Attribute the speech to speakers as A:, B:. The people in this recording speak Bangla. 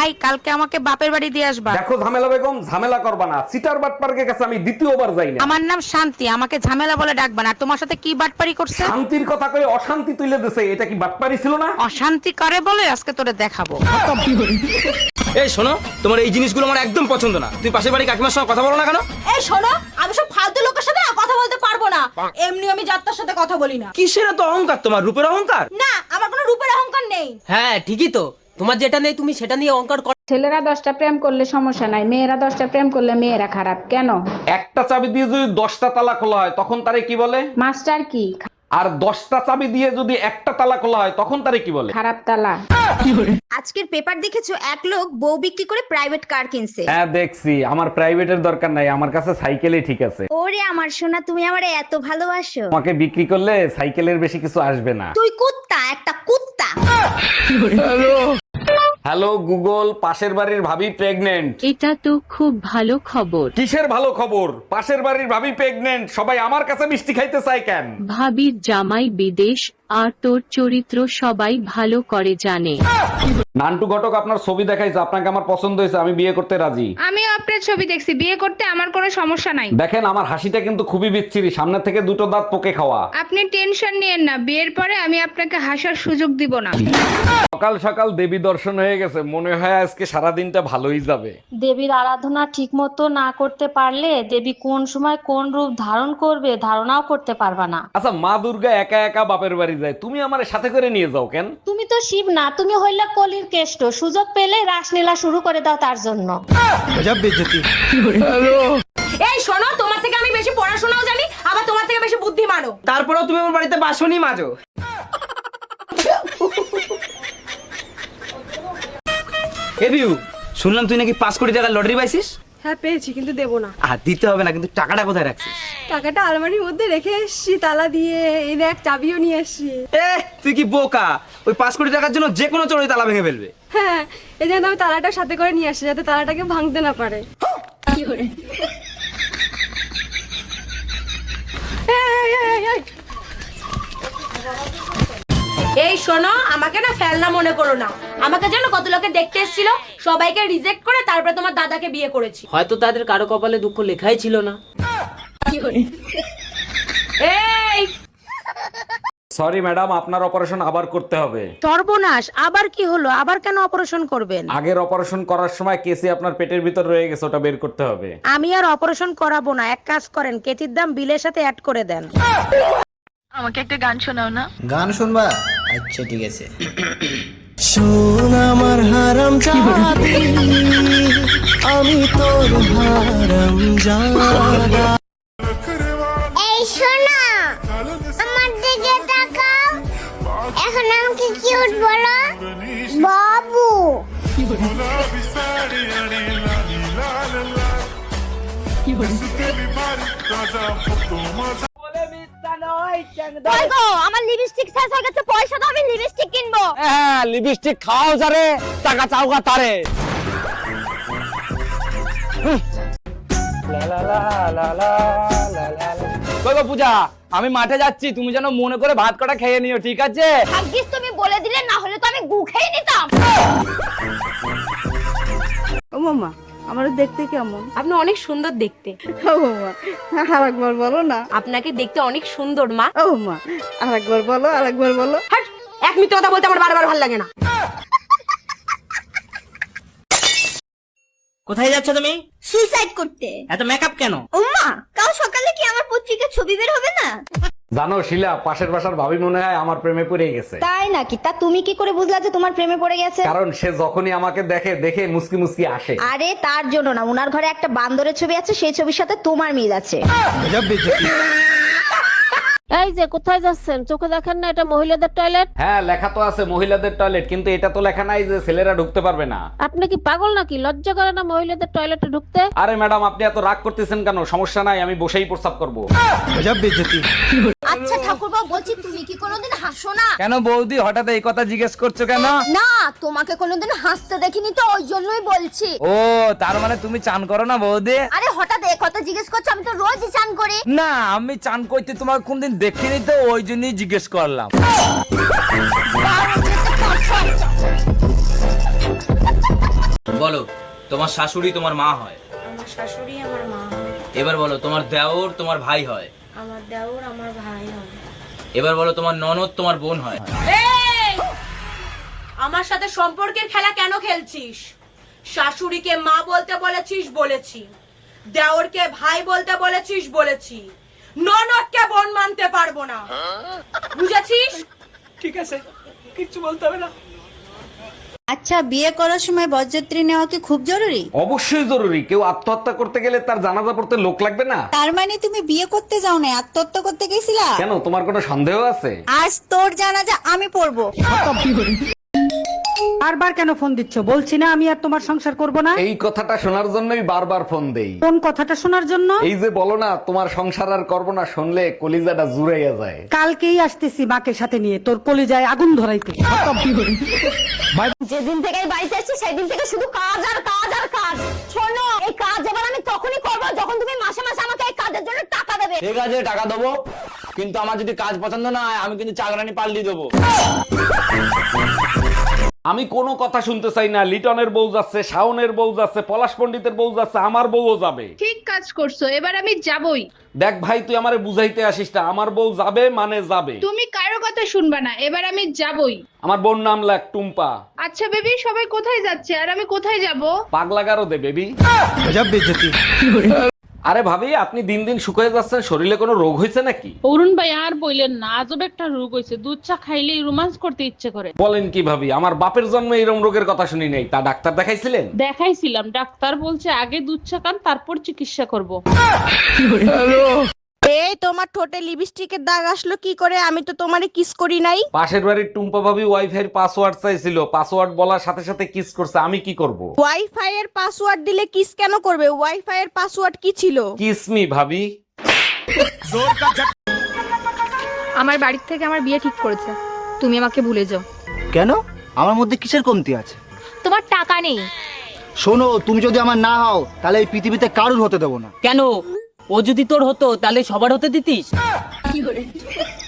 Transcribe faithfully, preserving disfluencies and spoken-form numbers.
A: ভাই কালকে আমাকে বাপের বাড়ি দিয়ে আসবা।
B: দেখো ঝামেলা বেগম, ঝামেলা করবা না। সিটার বাটপার্কের কাছে আমি দ্বিতীয়বার যাই না।
A: আমার নাম শান্তি, আমাকে ঝামেলা বলে ডাকবা না। আর তোমার সাথে কি বাটপারি করছে?
B: শান্তির কথা কই অশান্তি তুলে দিছে, এটা কি বাটপারি ছিল না?
A: অশান্তি করে বলে আজকে তোরে দেখাবো।
C: এই শোনো, তোমার এই জিনিসগুলো আমার একদম পছন্দ না। তুই পাশের বাড়ি কাকিমার সঙ্গে কথা বলো না কেন?
D: এই শোনো, আমি সব ফালতু লোকের সাথে না কথা বলতে পারবো না। এমনি আমি যাত্রার সাথে কথা বলি না।
C: কিসের এত অহংকার তোমার? রূপের অহংকার?
D: না, আমার কোনো রূপের অহংকার নেই।
E: হ্যাঁ ঠিকই তো, তোমার যেটা নেই তুমি সেটা নিয়ে অহংকার করো।
F: ছেলেরা দশটা প্রেম করলে সমস্যা নাই, মেয়েরা দশটা প্রেম করলে মেয়েরা খারাপ কেন?
B: একটা চাবি দিয়ে যদি দশটা তালা খোলা হয় তখন তারে কি বলে?
F: মাস্টার কি?
B: আর দশটা চাবি দিয়ে যদি একটা তালা খোলা হয় তখন তারে কি বলে?
F: খারাপ তালা।
G: আজকের পেপার দেখেছো, এক লোক বউ বিক্রি করে প্রাইভেট কার কিনছে।
B: হ্যাঁ দেখছি, আমার প্রাইভেটের দরকার নাই, আমার কাছে সাইকেলই ঠিক আছে।
G: ওরে আমার সোনা, তুমি আমারে এত ভালোবাসো।
B: তোমাকে বিক্রি করলে সাইকেলের বেশি কিছু আসবে না।
G: তুই কুত্তা, একটা কুত্তা।
B: হ্যালো গুগল, পাশের বাড়ির ভাবি প্রেগনেন্ট।
H: এটা তো খুব ভালো খবর।
B: কিসের ভালো খবর? পাশের বাড়ির ভাবি প্রেগনেন্ট, সবাই আমার কাছে মিষ্টি খাইতে চায় কেন?
H: ভাবির জামাই বিদেশ আর তোর চরিত্র সবাই ভালো করে জানে।
B: নান্টু ঘটক আপনার ছবি দেখাইছে, আপনাকে আমার পছন্দ হয়েছে, আমি বিয়ে করতে রাজি।
F: আমিও আপনার ছবি দেখছি, বিয়ে করতে আমার কোনো সমস্যা নাই।
B: দেখেন আমার হাসিটা কিন্তু খুবই বিচ্ছিরি, সামনে থেকে দুটো দাঁত পোকে খাওয়া।
F: আপনি টেনশন নিয়েন না, বিয়ের পরে আমি আপনাকে হাসার সুযোগ দিব না।
B: সকাল সকাল দেবী দর্শন হয়ে গেছে, মনে হয় আজকে সারা দিনটা ভালোই যাবে।
I: দেবীর আরাধনা ঠিক মতো না করতে পারলে দেবী কোন সময় কোন রূপ ধারণ করবে ধারণাও করতে পারবা না।
B: আচ্ছা মা দুর্গা একা একা বাপের বাড়ি যায়, তুমি আমার সাথে করে নিয়ে যাও কেন?
I: তুমি তো শিব না, তুমি হইলা কলির কেষ্ট, সুযোগ পেলে রাসলীলা শুরু করে দাও তার জন্য।
D: এই শোনো, তোমার থেকে আমি বেশি পড়াশোনাও জানি, আবার তোমার থেকে বেশি বুদ্ধিমানও।
C: তারপরেও তুমি আমার বাড়িতে বাসনই মাজো। এ বিউ, শুনলাম তুই নাকি পাঁচ কোটি টাকা লটারি পাইছিস।
D: হ্যাঁ পেয়েছি, কিন্তু দেবো না।
C: আর দিতে হবে না, কিন্তু টাকাটা কোথায় রাখছিস?
D: টাকাটা আলমারির মধ্যে রেখে এসছি তালা দিয়ে। এই দেখ, চাবিও নিয়ে এসছি।
C: এ তুই কি বোকা? ওই পাঁচ কোটি টাকার জন্য যে কোনো চোরই তালা ভেঙে ফেলবে।
D: হ্যাঁ, এই জন্য আমি তালাটা সাথে করে নিয়ে আসছি, যাতে তালাটাকে ভাঙতে না পারে। এই, এই, এই, এই। এই শোনো, আমাকে না ফেলনা মনে করো না। আমাকে জানো কত লোকে দেখতে এসেছিল, সবাইকে রিজেক্ট করে তারপরে তোমার দাদাকে বিয়ে করেছি।
E: হয়তো তাদের কারো কপালে দুঃখ লেখাই ছিল না।
D: এই
B: সরি ম্যাডাম, আপনার অপারেশন আবার করতে হবে।
A: সর্বনাশ, আবার কি হলো? আবার কেন অপারেশন করবেন?
B: আগের অপারেশন করার সময় কেসি আপনার পেটের ভিতর রয়ে গেছে, ওটা বের করতে হবে।
A: আমি আর অপারেশন করাবো না, এক কাজ করেন, কেচির দাম বিলের সাথে অ্যাড করে দেন। আমাকে একটা গান শোনাও না।
J: গান শুনবা? আচ্ছা ঠিক আছে।
E: শোন আমার হারাম জাদি, আমি তোর হারাম জাদা।
G: এই শোনা, আমার দিকে তাকাও। এখন আমাকে কিউট বলো, বাবু। আমার লিপস্টিক শেষ হয়ে গেছে, পয়সা দাও, আমি লিপস্টিক কিনবো।
C: হ্যাঁ, লিপস্টিক খাও যারে, টাকা চাওগা তারে। কই গো পূজা, আমি মাঠে যাচ্ছি, তুমি যেন মনে করে ভাত কটা খেয়ে নিও, ঠিক আছে?
G: ভাগ্যিস তুমি বলে দিলে, না হলে তো আমি গু খেয়ে নিতাম।
D: ও মামা, আমারও দেখতে কেমন? আপনি অনেক সুন্দর দেখতে। ও মামা, আরেকবার বলো না। আপনাকে দেখতে অনেক সুন্দর মা। ও মা, আরেকবার বলো, আরেকবার বলো। হাট, এক মিনিট কথা বলতে আমার বারবার ভালো লাগে না।
E: কোথায় যাচ্ছ তুমি?
G: সুইসাইড করতে।
E: এত মেকআপ কেন?
G: ওমা, কাল সকালে কি আমার পত্রিকার ছবি বের হবে না?
B: জানো শিলা, পাশের বাসার ভাবি মনে হয় আমার প্রেমে পড়ে গেছে।
G: তাই নাকি? তা তুমি কি করে বুঝলা যে তোমার প্রেমে পড়ে গেছে?
B: কারণ সে যখনই আমাকে দেখে দেখে মুসকি মুসকি আসে।
G: আরে তার জন্য না, উনার ঘরে একটা বান্দরের ছবি আছে, সেই ছবির সাথে তোমার মিল আছে।
I: এই যে কোথায় যাচ্ছেন, চোখে দেখেন না এটা মহিলাদের টয়লেট?
B: হ্যাঁ লেখা তো আছে মহিলাদের টয়লেট, কিন্তু এটা তো লেখা নাই যে ছেলেরা ঢুকতে পারবে না।
I: আপনি কি পাগল নাকি? লজ্জা করে না মহিলাদের টয়লেটে ঢুকতে?
B: আরে ম্যাডাম, আপনি এত রাগ করতেছেন কেন? সমস্যা নাই, আমি বসেই প্রস্রাব করবো।
G: আচ্ছা ঠাকুরবাবু, বলছি তুমি কি কোনোদিন হাসো না?
C: কেন বৌদি, হঠাৎ এই কথা জিজ্ঞেস করছো কেন?
G: না, তোমাকে কোনোদিন হাসতে দেখিনি তো, ওই জন্যই বলছি।
C: ও তার মানে তুমি চান করো না বৌদি?
G: আরে হঠাৎ এই কথা জিজ্ঞেস করছো, আমি তো রোজই চান করি।
C: না, আমি চান করতে তোমার কোনদিন দেখিনি তো, ওই জন্যই জিজ্ঞেস করলাম। বলো তোমার শাশুড়ি তোমার মা হয়।
D: আমার শাশুড়ি আমার মা হয়।
C: এবার বলো তোমার দেওর তোমার ভাই হয়।
D: আমার দেওর আমার ভাই হয়।
C: এবার বলো তোমার ননদ তোমার বোন হয়।
D: এই! আমার সাথে সম্পর্কের খেলা কেন খেলছিস? শাশুড়িকে মা বলতে বলেছিস, বলেছি। দেওরকে ভাই বলতে বলেছিস, বলেছি। ননদকে বোন মানতে পারবো না, বুঝেছিস?
C: ঠিক আছে, কিচ্ছু বলতে হবে না।
G: আচ্ছা, বিয়ে করার সময় বরযাত্রী নেওয়া কি খুব জরুরি?
B: অবশ্যই জরুরি। কেউ আত্মহত্যা করতে গেলে তার জানাজা পড়তে লোক লাগবে না?
G: তার মানে তুমি বিয়ে করতে যাও না, আত্মহত্যা করতে গেছিলা?
B: কেন, তোমার কোনো সন্দেহ আছে?
G: আজ তোর জানাজা আমি পড়বো।
A: বারবার কেন ফোন দিচ্ছ? বলছি না আমি আর তোমার সংসার করব না।
B: এই কথাটা শোনার জন্যই বারবার ফোন দেই।
A: কোন কথাটা শোনার জন্য?
B: এই যে বলো না তোমার সংসার আর করবো না, শুনলে কলিজাটা জুড়াইয়া যায়।
A: কালকেই আসতেছি মাকে সাথে নিয়ে তোর কলিজায় আগুন ধরাইতে।
D: যেদিন থেকে এই বাড়িতে এসেছি সেদিন থেকে শুধু কাজ আর কাজ আর কাজ। শোনো, এই কাজ এবার আমি তখনই করবো যখন তুমি মাসে মাসে আমাকে এই কাজের জন্য টাকা দেবে।
C: ঠিক আছে, টাকা দেবো, কিন্তু আমার যদি কাজ পছন্দ না হয় আমি কিন্তু চাকরানি পাল্টি দেবো।
B: আমি কোনো কথা শুনতে চাই না। লিটনের বউ যাচ্ছে, শাওনের বউ যাচ্ছে, পলাশ পণ্ডিতের বউ যাচ্ছে, আমার বউও যাবে।
F: ঠিক কাজ করছো, এবার আমি যাবই।
B: দেখ ভাই, তুই আমারে বুঝাইতে আসিস না। আমার বউ যাবে মানে যাবে।
F: তুমি কারো কথা শুনবা না, এবার আমি যাবই।
B: আমার বোন নাম লাগ টুম্পা।
F: আচ্ছা বেবি, সবাই কোথায় যাচ্ছে আর আমি কোথায় যাব?
B: পাগলা গারো দে বেবি। আরে ভাবি, আপনি দিন দিন শুকিয়ে যাচ্ছেন, শরীরে কোনো রোগ হয়েছে নাকি?
I: অরুণ ভাই আর বললেন না, আজব একটা রোগ হয়েছে, দুধ চা খাইলেই রোমান্স করতে ইচ্ছে করে।
B: বলেন কি ভাবি? আমার বাপের জন্মে এরকম রোগের কথা শুনি নাই। তা ডাক্তার দেখাইছিলেন?
I: দেখাইছিলাম, ডাক্তার বলছে আগে দুধ চা খান তারপর চিকিৎসা করব।
G: এই তোমার ঠোঁটে লিপস্টিকের দাগ আসলো কি করে? আমি তো তোমারে কিস করি নাই।
B: পাশের বাড়ির টুম্পা ভাবি ওয়াইফাই পাসওয়ার্ড চাইছিল, পাসওয়ার্ড বলার সাথে সাথে কিস করছে। আমি কি করব?
G: ওয়াইফাই এর পাসওয়ার্ড দিলে কিস কেন করবে? ওয়াইফাই এর পাসওয়ার্ড কি ছিল?
B: কিসমি ভাবি।
D: আমার বাড়ির থেকে আমার বিয়ে ঠিক করেছে, তুমি আমাকে ভুলে যাও।
J: কেন? আমার মধ্যে কিসের কমতি আছে?
D: তোমার টাকা নেই।
J: শোনো, তুমি যদি আমার না হও তাহলে এই পৃথিবীতে কারুর হতে দেবো না।
E: কেন? ও যদি তোর হতো তাহলে সবার হতে দিতিস?